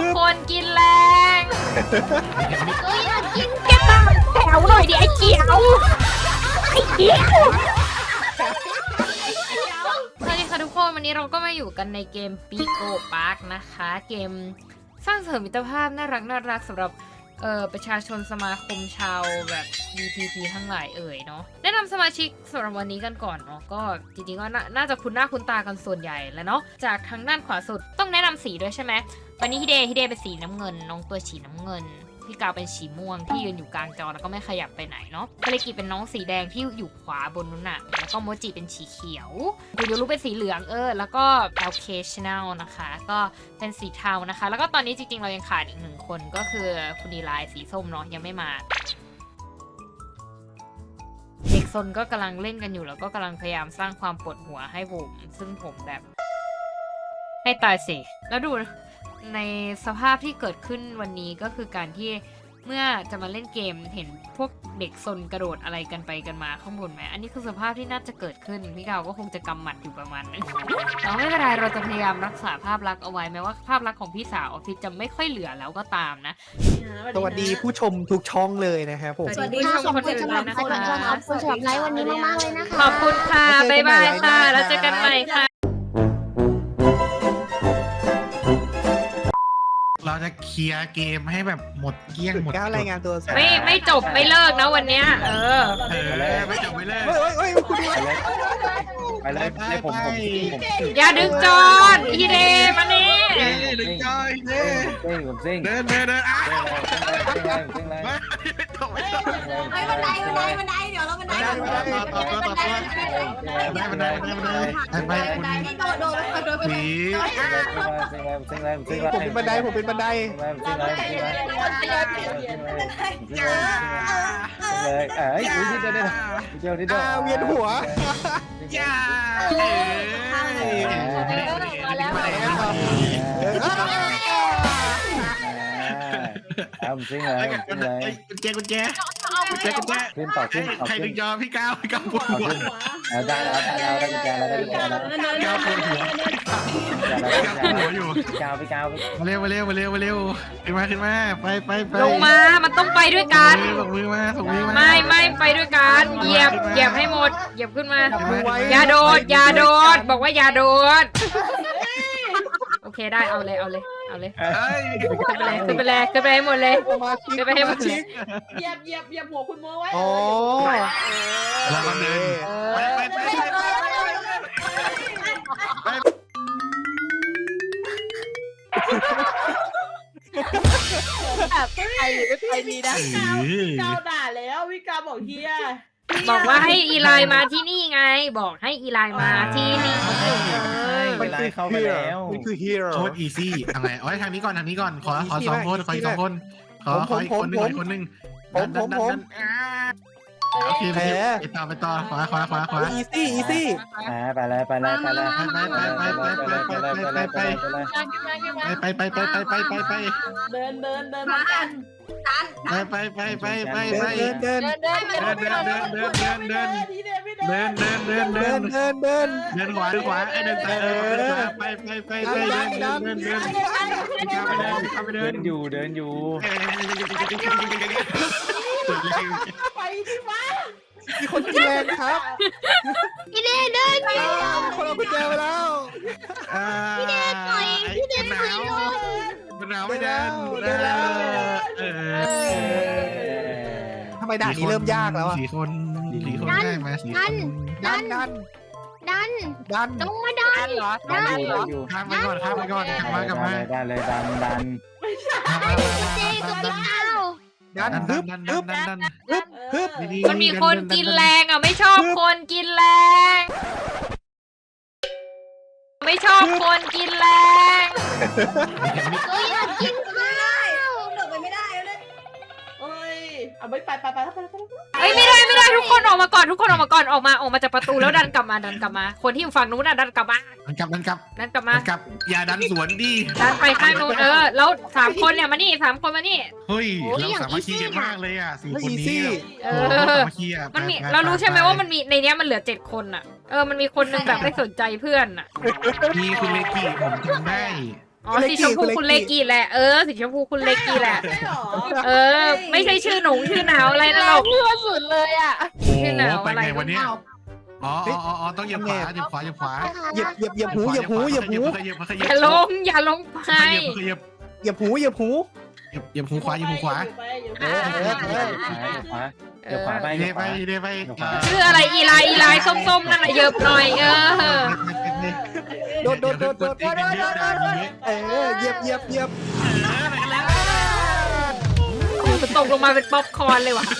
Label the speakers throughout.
Speaker 1: คนกินแรง
Speaker 2: อยากกินแก้วแถวหน่อยดิไอ้เขียวไอ้เขียว
Speaker 1: สวัสดีค่ะทุกคนวันนี้เราก็มาอยู่กันในเกมปีโก้พาร์คนะคะเกมสร้างเสริมมิตรภาพน่ารักสำหรับประชาชนสมาคมชาวแบบ BTT ทั้งหลายเนาะแนะนำสมาชิกสำหรับวันนี้กันก่อนเนาะก็จริงๆก็น่าจะคุ้นหน้าคุ้นตากันส่วนใหญ่แล้วเนาะจากทางด้านขวาสุดต้องแนะนำสีด้วยใช่ไหมวันนี้ฮิเดเป็นสีน้ำเงินน้องตัวสีน้ำเงินพี่กาวเป็นสีม่วงที่ยืนอยู่กลางจอแล้วก็ไม่ขยับไปไหนเนาะคาริกิเป็นน้องสีแดงที่อยู่ขวาบนนู้นน่ะแล้วก็โมจิเป็นสีเขียวคุณยูรุเป็นสีเหลืองแล้วก็ Occasional นะคะก็เป็นสีเทานะคะแล้วก็ตอนนี้จริงๆเรายังขาดอีกหนึ่งคนก็คือคุณดีไลน์สีส้มเนาะยังไม่มาเด็กซนก็กำลังเล่นกันอยู่แล้วก็กำลังพยายามสร้างความปวดหัวให้ผมซึ่งผมแบบให้ตายสิแล้วดูในสภาพที่เกิดขึ้นวันนี้ก็คือการที่เมื่อจะมาเล่นเกมเห็นพวกเด็กซนกระโดดอะไรกันไปกันมาข้างบนไหมอันนี้คือสภาพที่น่าจะเกิดขึ้นพี่กาวก็คงจะกำหมัดอยู่ประมาณนึงแต่ไม่เป็นไรเราจะพยายามรักษาภาพลักษณ์เอาไว้แม้ว่าภาพลักษณ์ของพี่สาวออฟฟิศจะไม่ค่อยเหลือแล้วก็ตามนะ
Speaker 3: สวัสดีผู้ชมทุกช่องเลยนะครับผม
Speaker 1: สวัสดีผู้ชมคนอื่นด้วยนะคะ
Speaker 2: ขอบคุณสำหรับไลฟ์วันนี้มากๆเลยนะคะ
Speaker 1: ขอบคุณค่ะบ๊ายบายค่ะแล้วเจอกันใหม่ค่ะ
Speaker 4: เราจะเคลียร์เกมให้แบบหมดเกลี้ยงหมด
Speaker 3: ก้าวรายงานตัว
Speaker 1: ไม่จบไม่เลิกนะวันเนี้ย
Speaker 4: ไม่จบไม่เลิก
Speaker 3: เฮ้ยคุณดู
Speaker 5: ไปเลยผม
Speaker 1: อย่าดึงจอนอีเดมานี่
Speaker 4: ดึงจอยเด้
Speaker 5: ผมซิ่ง
Speaker 4: เดินอ่ะ
Speaker 5: ซิ่งแรง
Speaker 4: ไม่จบไม่จบ
Speaker 2: ไปบันไดเดี๋ยวเราบันได
Speaker 4: ไปคุณ
Speaker 2: โดน
Speaker 4: ผี
Speaker 5: ซิ่งแรง
Speaker 3: ผมเป็นบันไดผมเป็นบันได
Speaker 5: เลยเอ้ยเดี๋ยว
Speaker 3: เวียนหัว
Speaker 4: ย่า
Speaker 5: ซิ่งแรง
Speaker 4: กุญแจ
Speaker 5: ขึ้นต่อขึ้น
Speaker 4: ใครดึงจอพี่ก้าวปวดหัว
Speaker 5: ได้แล้วได้กุญแจแล้ว
Speaker 4: ก้าวปวดหัวอยู่
Speaker 5: กาวไปกาวไป
Speaker 4: มาเร็วขึ้นมาไป
Speaker 1: ลงมามันต้องไปด้วยกัน
Speaker 4: ส่งมือมา
Speaker 1: ไม่ไปด้วยกันเหยียบให้หมดเหยียบขึ้นมาอย่าโดดบอกว่าอย่าโดดโอเคได้เอาเลยขึ้นไปให้หมดเลยขึ้นไปให้หมดเลย
Speaker 6: เหยียบหัวคุณโมไว้
Speaker 3: อ๋อ
Speaker 4: เราเดิน
Speaker 6: ไปดีนะก้าวด่าแล้ววิกาบอกเฮีย
Speaker 1: บอกว่าให้อีไลน์มาที่นี่ไงบอกให้อีไลน์มาที่นี่
Speaker 5: มันคือเข้าไปแล้ว
Speaker 3: มันคือฮีโร่
Speaker 4: โคตรอีซี่อะไรเอาไว้ทางนี้ก่อนขอสองคนขออีก2 คนขออีกคนนึงโอเคไปต่อขวา
Speaker 3: อีซี่
Speaker 4: ไปเ
Speaker 6: ดินพร้อมกัน
Speaker 4: ไปเดินขวาไอ้เดินไปเดิน
Speaker 5: อยู่
Speaker 6: ไปที่ฟ้า
Speaker 3: มีคนกินแรงครับ
Speaker 2: พี่เดเดิน
Speaker 3: คนเอากุญแจไปแล้ว
Speaker 4: พี่เดนหน่อยหนาวไม่เดิน
Speaker 3: ทำไมด่านนี้เริ่มยากแล้วอ่ะ
Speaker 4: 4 คนได้มา4 คน
Speaker 3: ดัน
Speaker 2: ลงมาดัน
Speaker 4: ข้ามไปก่อนกลับมา
Speaker 5: ดันเลยดัน
Speaker 2: เจกับพี่เต้า
Speaker 3: ดันฮึบ
Speaker 1: มันมีคนกินแรงอ่ะไม่ชอบคนกินแรง ไม่ชอบคนกินแรง
Speaker 2: อยากกินข้าว
Speaker 6: หนูไปไม่ได้เลยเอ้ยเอาไป
Speaker 1: เอ้ยไม่ได้ทุกคนออกมาก่อนออกมาจากประตูแล้วดันกลับมาคนที่อยู่ฝั่งนู้นดันกลับมา
Speaker 4: มันกลับ อย่าดันสวนดิ
Speaker 1: ดันไปข้างนู้นแล้ว3 คนเนี่ยมานี่3 คนมานี่
Speaker 4: เฮ้ยเราสามัคคีกันมากเลยอ่ะ4 คนนี้
Speaker 1: มันมีเรารู้ใช่ไหมว่ามันมีในนี้มันเหลือ7 คนอ่ะมันมีคนนึงแบบไม่สนใจเพื่อนอ่ะ
Speaker 4: มีคุณเลกี้ผมจำได้
Speaker 1: อ๋อสีชมพูคุณเลกิแหละสีชมพูคุณเลกิแหละ
Speaker 6: ใช่หรอ
Speaker 1: ไม่ใช่ชื่อหนูชื่อหนาวอะไรนะหรอก
Speaker 2: เลือดสุดเลยอ่ะ
Speaker 4: โอ้โหไปไงวันนี้อ๋อต้องเหยียบขวาเหยียบขวาเหยียบขวา
Speaker 3: เหยียบหูเหยียบหูเหยียบหู
Speaker 1: อย่าลงไป
Speaker 4: เหยียบ
Speaker 3: เหยียบหูเหยียบหู
Speaker 4: เหยียบหูขวาเหยียบหูขวา
Speaker 5: เดี๋ยวขวาไป
Speaker 4: เดี๋ยวไปเดี๋ยวไป
Speaker 1: ชื่ออะไรอีไลส้มๆนั่นแหละเหยิบหน่อย
Speaker 3: โดดเหยียบ
Speaker 1: มันตกลงมาเป็นป๊อปคอร์นเลยว่ะ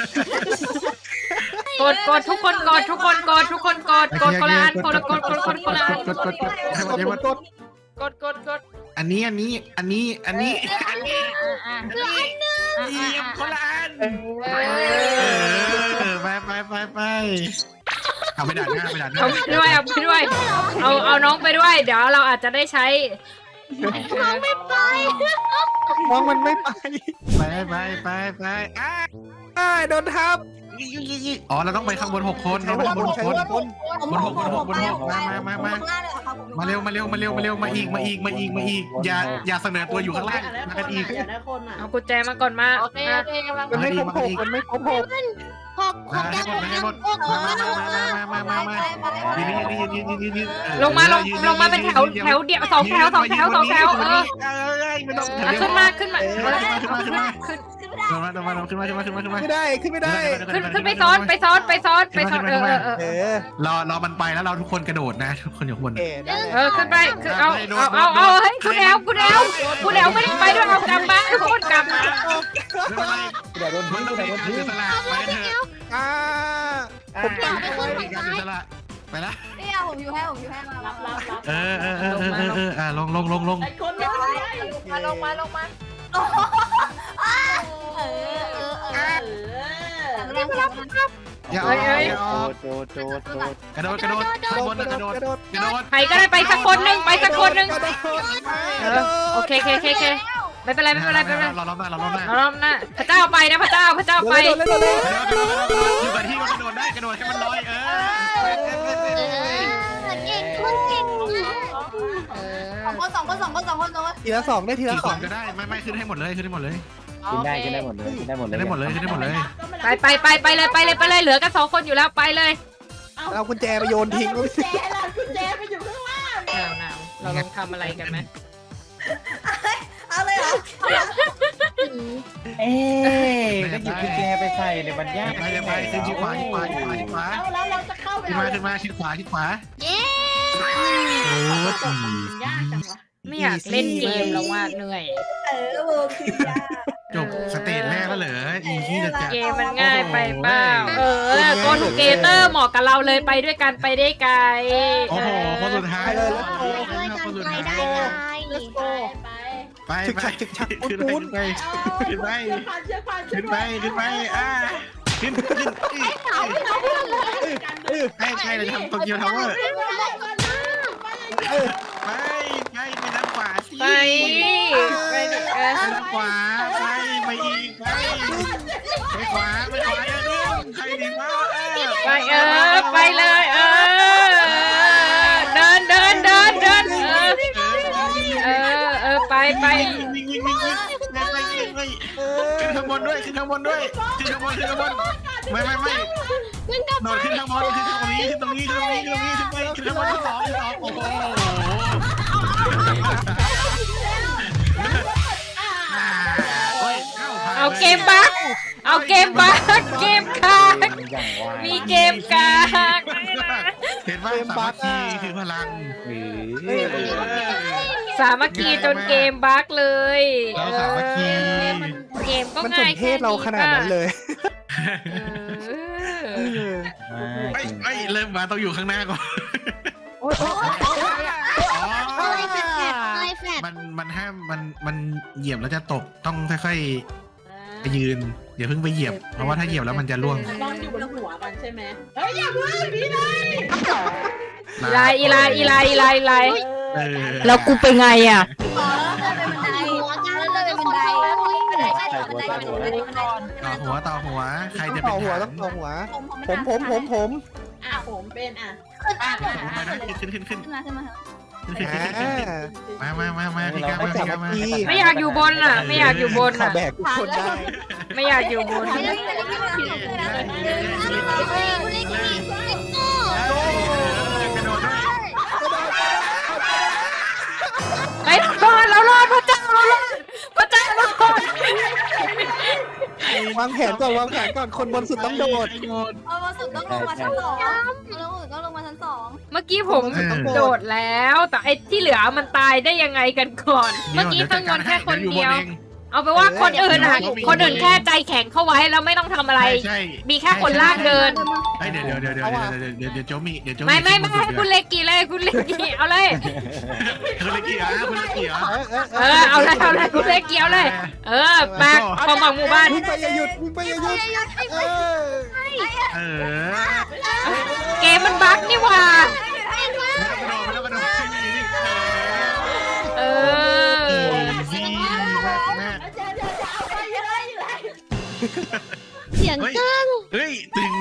Speaker 1: กดทุกคนกดคนละอันคนละอันกด
Speaker 4: อันนี้คนละอันไปเอาไปด่านหน้า
Speaker 1: เอาไปด้วยเอาน้องไปด้วยเดี๋ยวเราอาจจะได้ใช้
Speaker 3: มองมันไม่ไปโดนทับ
Speaker 4: อ๋อเราต้องไปข้างบน6 คนเราไปข้างบน6 คนบน6มาเร็วมาอีกอย่าเสนอตัวอยู่ข้างล่างมากันอีก
Speaker 6: อยากได้คนอ่ะ
Speaker 1: เอากุญแจมาก่อนมา
Speaker 2: โอเคกำลัง
Speaker 3: มันไม่ครบ6
Speaker 4: ให้หมดมา
Speaker 1: ลงมาเป็นแถวเดียว2 แถวขึ้นมาขึ้นมา
Speaker 3: ไม่ได้ขึ้น
Speaker 1: ไปซ้อน
Speaker 4: รอมันไปแล้วเราทุกคนกระโดดนะทุกคนอยู่ข้างบน
Speaker 1: ขึ้นไปเอาเฮ้ยคุณแอลไม่ได้ไปด้วยเอากลับมาทุกคนกลับมา
Speaker 5: เดี๋ยวโดนทิ้งเดี๋ยวโดนทิ้ง
Speaker 4: สละไปเถอะ
Speaker 3: ผมตาย
Speaker 4: สละไปละ
Speaker 2: นี่ผมอยู่ให้มา
Speaker 6: รับ
Speaker 4: ลง
Speaker 6: ไอ้คนน้อย
Speaker 2: ลงมา
Speaker 4: อย่า
Speaker 5: โจ
Speaker 4: กระโดดข้างบนกระโดด
Speaker 1: ใครก็ได้ไปสักคนหนึ่งโอเคไม่เป็นไร
Speaker 4: เราล้อมหน้า
Speaker 1: เราล้อมหน้าพระเจ้าไปนะพระเจ้าไป
Speaker 4: อยู่กับที่ก็กระโดดได้กระโดดให้มันลอย
Speaker 2: สองคน
Speaker 3: ทีละ 2ได้ทีละ
Speaker 4: กี่คนก็ได้ไม่ขึ้นให้หมดเลย
Speaker 5: กินได้หมดเลย
Speaker 1: ไปเลยเหลือกัน2 คนอยู่แล้วไปเลย
Speaker 3: เอากุญแจไปโยนทิ้ง
Speaker 6: กุญแจไปอยู่ข้างล่าง
Speaker 1: หนาวเราลองทำอะไรกันไหม
Speaker 2: เอาเลยเหรอ
Speaker 5: ก็หยิบกุญแจไปใส่เนี่ยมันยาก
Speaker 4: ไปขึ้นชิดขวา
Speaker 6: แล้วเราจะเข้าไป
Speaker 4: ขึ้นมาชิดขวา
Speaker 2: เย้
Speaker 4: โอ้
Speaker 6: ยากจังวะ
Speaker 1: ไม่อยากเล่นเกมแล้วว่าเหนื่อย
Speaker 6: คือยาก
Speaker 4: จบสเตจแรกแล้วเหรออีที่จะจัด
Speaker 1: เกมมันง่ายไปเปล่าโกทูเกเตอร์เหมาะกับเราเลยไปด้วยกันไปได้ไกล
Speaker 4: โอ้โหคนสุดท้ายเลย ไปขึ้นไปขึ้นไปขึ้นไปให้เราทำโตเกียวทาวเวอร์ไปด้านขวาสิ
Speaker 1: ไป
Speaker 4: ด้านขวาไปอีกไปขวาใครดีมาก
Speaker 1: ไปเลยเดินไป
Speaker 4: ขึ้นข้างบนด้วยไม่โดดขึ้นข้างบนขึ้นตรงนี้ขึ้นไปขึ้นข้างบน2โอ้โห
Speaker 1: เอาเกมบักเกมกากมีเกมกาก
Speaker 4: เห็นว่าสามัคคีคือพลัง
Speaker 1: สามัคคีจนเกมบักเลย
Speaker 4: เราสามัคคี
Speaker 1: เกมก็
Speaker 3: มันส
Speaker 1: ง่าย
Speaker 3: มเพศเราขนาดนั้นเลย
Speaker 4: เริ่มมาต้องอยู่ข้างหน้าก่อนมันห้ามมันเหยียบแล้วจะตกต้องค่อยๆไปยืนอย่าเพิ่งไปเหยียบเพราะว่าถ้าเหยียบแล้วมันจะล่วง
Speaker 6: ต้องอยู่บนหัวกันใช่ไหมเฮ้ยอย่าเพิ่งพี่นาย
Speaker 1: อีไลแล้วกูไปไงอ่ะ
Speaker 4: ต่อหัวใครจะ
Speaker 3: ต่
Speaker 4: เป็น
Speaker 3: อหัวต้องต่อหัวผม
Speaker 6: ผมเป็น
Speaker 4: ขึ้น
Speaker 2: ขึ้นมา
Speaker 4: มาพี่กามาพี่กามา
Speaker 1: ไม่อยากอยู่บนอ่ะ ไม่อยากอยู่บน
Speaker 3: ขอ
Speaker 1: อ่ะ
Speaker 3: แบกทุกคนได้
Speaker 1: ไม่อยากอยู่บนไปรอดเรารอดพระเจ้าเรารอดพระเจ้าเรารอด
Speaker 3: วางแผนก่อนคนบนสุดต้องโดด
Speaker 2: เอามาสุดต้องลงมาชั้น 2ต้องลงมาชั้น 2
Speaker 1: เมื่อกี้ผมโดดแล้ว แต่ไอ้ที่เหลือมันตายได้ยังไงกันก่อน เมื่อกี้ข้างบนแค่คนเดียว เอาไปว่าคนอื่นอ่ะ คนอื่นแค่ใจแข็งเข้าไว้แล้วไม่ต้องทำอะไร
Speaker 4: ใช่
Speaker 1: มีแค่คนล่างเดิน
Speaker 4: เดี๋ยวโจมี่เดี๋ยวโจมี่
Speaker 1: ไม่ให้คุณเลกี้เลยคุณเลกี้เอาเลย
Speaker 4: คุณเลกี้คุณเลกี้
Speaker 1: เอาเลยคุณเลกี้เอาเลย แบกความหวังหมู่บ้าน
Speaker 3: วิ่งไปอย่าหยุด
Speaker 1: เกมมันบั๊กนี่หว่า
Speaker 2: เสียงก้าง
Speaker 4: เฮ้ยตึง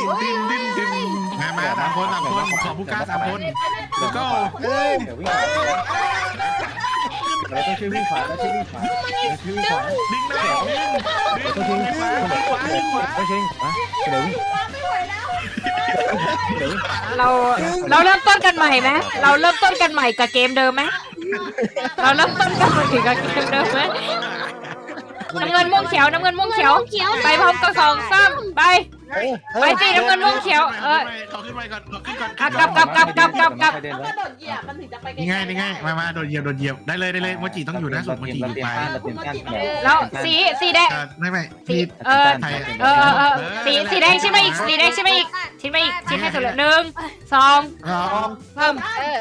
Speaker 4: มา3 คนขอผู้กล้า3 คนแล้วก็
Speaker 5: เดี๋ยววิ่งเราต้องช่วยวิ่งขวาเราช่วยวิ่งขวาเราช่วยวิ่งขวา
Speaker 4: ดึงแล้ว
Speaker 5: ต้องช่วยวิ่งขวาต้องช่วยวิ่งขวาเดี๋ยววิ่ง
Speaker 1: เราเริ่มต้นกันใหม่ไหมเราเริ่มต้นกันใหม่กับเกมเดิมไหมเราเริ่มต้นกันใหม่กับเกมเดิมไหมน้ำเงินม่วงเขียวไปพร้อมกับ2 3ไปสิน้ำเงินม่วงเขียว
Speaker 4: ขอขึ้นไปก่อนกลับ
Speaker 6: ต้องกระโดดเหยียบมันถึงจะไปไกล
Speaker 4: นี่ไงมาโดดเหยียบได้เลยโมจิต้องอยู่หน้าสุดโมจิอยู่ไป
Speaker 1: แล้วสีแดง
Speaker 4: ไม่ที่ไทย
Speaker 1: สีแดงใช่ไหมอีกชิ้นให้สุดเลย1 2เพิ่ม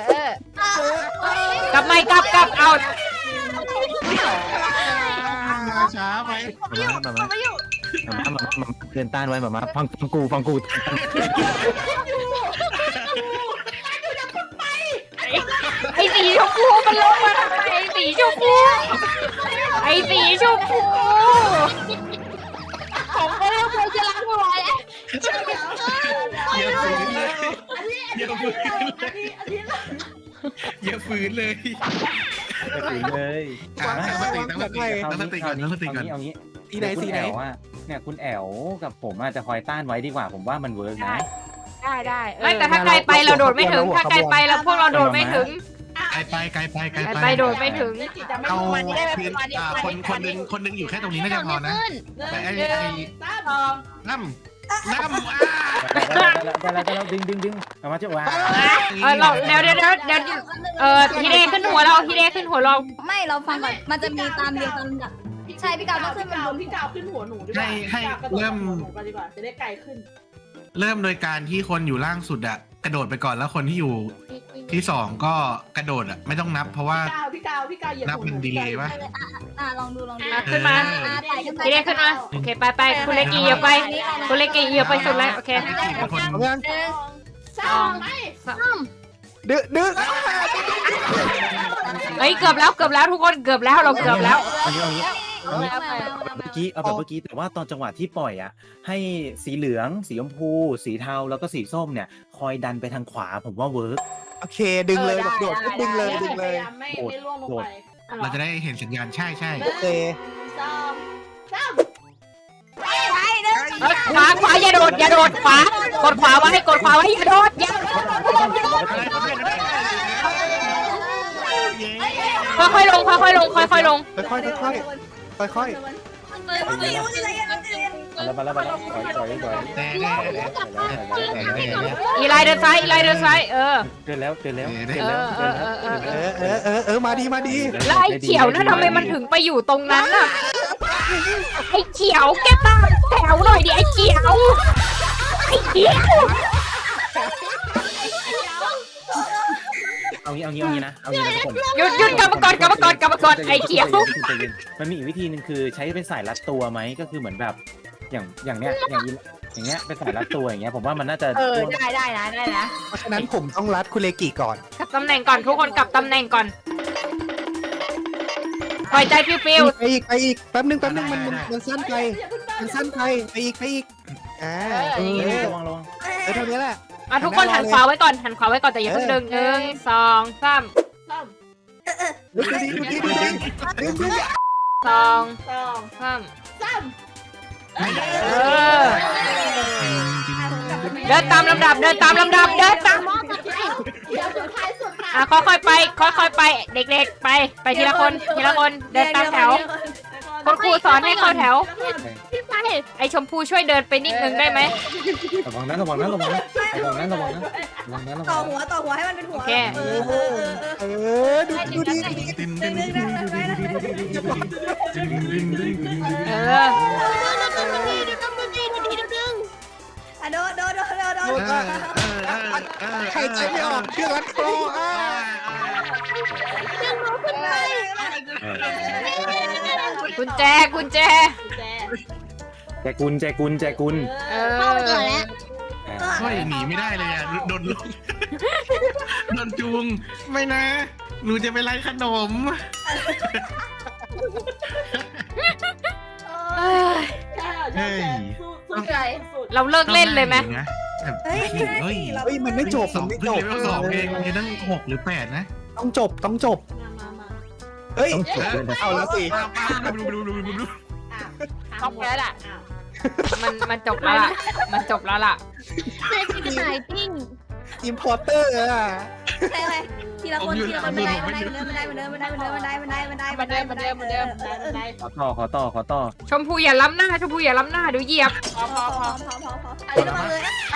Speaker 1: กลับเอา
Speaker 4: ช้าไป
Speaker 5: เดินต้านไว้มาฟังกู
Speaker 1: ไอ้สีชมพูมันลงมาทำไมไอ้สีชมพู
Speaker 2: ผมก็เริ่มเคยจะล้างหัวแล้ว
Speaker 4: อย่าฝืนเลย ตั้งสติก่อน
Speaker 5: เอางี้สีไหนเนี่ยคุณแอลกับผมอาจจะคอยต้านไว้ดีกว่าผมว่ามันเวิร์กนะ
Speaker 1: ได้ไม่แต่ถ้าไกลไปเราโดดไม่ถึงถ้าไกลไปเราพวกเราโดดไม่ถึงไปโดดไม่ถึง
Speaker 4: เอาคนนึงอยู่แค่ตรงนี้น่าจะพอนะแต่ไอ้น้ำ
Speaker 5: แล้วดึงเอามาเจ้าว่า
Speaker 1: เราเดี๋ยวฮีเดขึ้นหัวเรา
Speaker 2: ไม่เราฟังก่อนมันจะมีตามเรียงตามลำดับใช่พี่กาวต้องขึ้นมันบน
Speaker 6: พี่กาวขึ้นหัวหนูดีกว่าดีกว่าจะได้ไกลขึ้น
Speaker 4: เริ่มโดยการที่คนอยู่ล่างสุดอะกระโดดไปก่อนแล้วคนที่อยู่ที่2ก็กระโดดอะไม่ต้องนับเพราะว่า
Speaker 6: พี่กาว
Speaker 4: นับเป็นดีเลยป่ะ
Speaker 2: ลองดู
Speaker 1: ขึ้นมาฮีเดขึ้นมาโอเคไปคุณเลกี้เหยียบไปสุดแล้วโอเค
Speaker 3: ดื้อ
Speaker 1: เฮ้ยเกือบแล้วทุกคนเกือบแล้วเราเกือบแล้ว
Speaker 5: เอาเมื่อกี้แต่ว่าตอนจังหวะที่ปล่อยอ่ะให้สีเหลืองสีชมพูสีเทาแล้วก็สีส้มเนี่ยคอยดันไปทางขวาผมว่าเวิร์ก
Speaker 3: โอเคดึงเลยโดดดึงเลย
Speaker 6: ไม่ล่วงลงไป
Speaker 4: เราจะได้เห็นสัญญาณใช่
Speaker 3: โอเค
Speaker 1: ขวาอย่าโดดขวากดขวาไว้อย่าโดดค่อยๆลง
Speaker 3: ค่อย
Speaker 5: แล้ว
Speaker 1: อีไลเดินซ้าย
Speaker 5: เดินแล้ว
Speaker 3: มาดี
Speaker 1: แล้วไอ้เขียวนั่นทำไมมันถึงไปอยู่ตรงนั้นอ่ะไอ้เขียวแกตามแถวหน่อยดิไอ้เขียว
Speaker 5: เอางี้นะทุกคน
Speaker 1: หยุดกลับมาก่อนไอ้เขียว
Speaker 5: มันมีอีกวิธีนึงคือใช้เป็นสายรัดตัวไหมก็คือเหมือนแบบอย่างเนี้ยเป็นสายรัดตัวอย่างเงี้ยผมว่ามันน่าจะ
Speaker 1: ได้นะ
Speaker 3: เพราะฉะนั้นผมต้องรัดคุณเลกิก่อน
Speaker 1: กลับตำแหน่งก่อนทุกคนกลับตำแหน่งก่อนปล่อยใจฟิว
Speaker 3: ไปอีกแป๊บนึงมันสั้นไปไปอีก
Speaker 5: ระวัง
Speaker 3: เท่านี้แหละ
Speaker 1: ทุกคนหันขวาไว้ก่อนแต่อย่าเพิ่งดึง1 2 3
Speaker 3: ดูดีดึง
Speaker 1: สอง
Speaker 6: สอง
Speaker 1: สาม
Speaker 6: สาม
Speaker 4: ไม่ได้
Speaker 1: เออ เดินตามลำดับ เดินตามลำดับ เดินตาม
Speaker 6: เดี๋ยวสุดท้ายสุดค่ะ
Speaker 1: อ่ะค่อยๆไป ค่อยๆไป เด็กๆ ไปทีละคน ทีละคน เดินตามแถวคุณครูสอนให้เข้าแถว
Speaker 2: พี่ไป
Speaker 1: ไอชมพูช่วยเดินไปนิดนึงได้ไหม
Speaker 5: ระวังนะระวังนะระวังนะระวังนะระวังนะระวังนะระ
Speaker 7: ต่อ
Speaker 5: วัง
Speaker 7: หัวต่อหัวให้มันเป็นหัว
Speaker 1: โอเค
Speaker 3: ดูดี
Speaker 4: ดึง
Speaker 7: ดึ
Speaker 4: ดึ
Speaker 7: ง
Speaker 4: ง
Speaker 7: ดึ
Speaker 4: ดึ
Speaker 7: ง
Speaker 4: ง
Speaker 7: ดึงดึงดึงดึง
Speaker 4: ดึงดึงดึง
Speaker 1: เออ
Speaker 7: อ่ะโดนโดนโดนโดนโดน
Speaker 3: ใครใจไม่ออกเชือกรัดคออ่ะ
Speaker 1: กุญแจ กุญแจ
Speaker 6: แจ
Speaker 5: แจกุลแจกุลแจกุล
Speaker 1: เอ
Speaker 2: เข้าไปก่อน
Speaker 1: อ
Speaker 2: แล้ว
Speaker 4: เฮ้ยหนีไม่ได้เลยอ่ะโดนลุกโดนจูงไม่นะหนูจะไปไล่ขนม
Speaker 1: เอ้ย
Speaker 6: ใช่สู้ใจสุด
Speaker 1: เราเลิกเล่นเลยไหม
Speaker 7: เฮ้ยไม่ได้
Speaker 4: เฮ้ย
Speaker 7: สิเรา
Speaker 3: เฮ้ยมันไม่จบ
Speaker 4: สอง
Speaker 3: ไม่
Speaker 4: เพิ่
Speaker 3: จ
Speaker 4: ง
Speaker 3: บ
Speaker 4: เลเวลสองเองยังตั้ง6 หรือ 8นะ
Speaker 3: ต้องจบต้องจบ
Speaker 6: มา
Speaker 3: เฮ้ย
Speaker 5: ต้องจบด้วยนะ
Speaker 3: เอาแล้วสิ
Speaker 4: ดู
Speaker 6: เข้าไปแล้วล่ะ
Speaker 1: มันจบแล้วล่ะ มันจบแล้วล่ะ
Speaker 2: เจอพี่กระต่ายปิ้ง
Speaker 3: อิมพอร์เตอร์อ่ะ
Speaker 7: ใช่ไหมทีละคนทีละคนไม่ได้ไม่ได้ไม่ได้ไม่ได้ไม่ได้ไม่ได้ไม่ได้ไม่ได้ไม่ได้ไม่ได้ไม่ได้
Speaker 6: ได้
Speaker 5: ขอต่อ
Speaker 1: ชมพูอย่าล้ำหน้า ชมพูอย่าล้ำหน้าเดี๋ยวเหยียบ
Speaker 7: พออันนี้มาเลย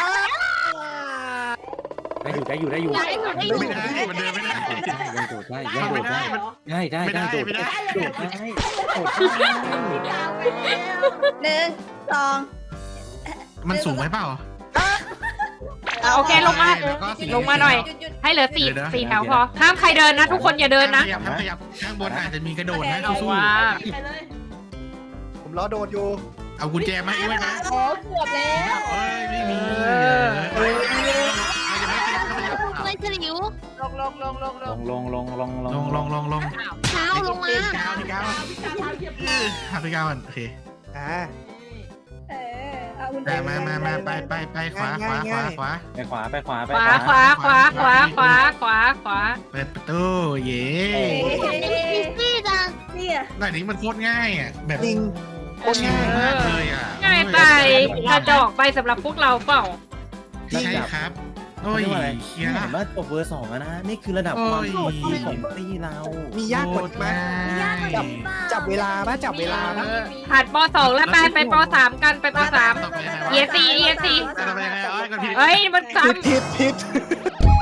Speaker 5: ได้อยู่
Speaker 2: อยากให้หนูได้อยู่
Speaker 4: ไม่ได้มันเดินไม่ได้
Speaker 5: ยังโดดได้ยังโด
Speaker 4: ไม่
Speaker 5: ด
Speaker 4: ได้
Speaker 5: ได้
Speaker 4: มัน
Speaker 5: ได้โดดได้โดดได้โดดได้
Speaker 7: หนึ่งสอง
Speaker 4: มันสูงไหมเปล่า
Speaker 1: โอเคลงมา
Speaker 4: แล้วก็สี
Speaker 1: ลงมาหน่อย
Speaker 7: หยุด
Speaker 1: ให้เหลือสี่แถวพอ ห้ามใครเดินนะ ทุกคนอย่าเดินนะ
Speaker 4: ขยับข้างบนอาจจะมีกระโดดนะ
Speaker 1: เอา
Speaker 4: สู้
Speaker 1: ว่า
Speaker 6: ไปเลย
Speaker 3: ผมรอโดดอยู่
Speaker 4: เอากุญแจมาให้ด้วยนะ
Speaker 6: โอ้เกือบแล้ว
Speaker 4: เอ้ยไม่มี
Speaker 2: ไม่ฉลิว
Speaker 6: ลง
Speaker 4: ลง
Speaker 2: เท้าลงมา
Speaker 4: พี่ก้าว
Speaker 6: พี่กาพาเหยียบ
Speaker 4: พี่ก้าวโอเค
Speaker 3: อ่า
Speaker 7: เอาคุณ
Speaker 4: มาไปขวา
Speaker 5: ไปขวาไปขวาไป
Speaker 1: ขวาขวาขวาขวาขวาขวาขวา
Speaker 4: เปิดประตูเย้
Speaker 2: อีซี่จัง
Speaker 7: นี่อ่ะ
Speaker 4: หน่อยนี้มันโคตรง่ายอ่ะแบบ
Speaker 3: จริง
Speaker 4: ชิลมากเลยอ่ะ
Speaker 1: ง่ายไปกระจอกไปสำหรับพวกเราเปล่า
Speaker 4: ใช่ครับโอ้ย
Speaker 5: อะไร
Speaker 4: เคีย
Speaker 5: เห็นว่าจบเวอร์2แล้วนะนี่คือระดับความโหดของตีเรา
Speaker 3: มียากกว่าไหมจับเวลาป่ะจับเวลาป่ะ
Speaker 1: ผ่านป .2 แล้วไปป .3 กันไปป .3 ESC
Speaker 4: จะไปยังไงอ้อยกันผิด
Speaker 1: เฮ้ยมันซ้
Speaker 3: ผิด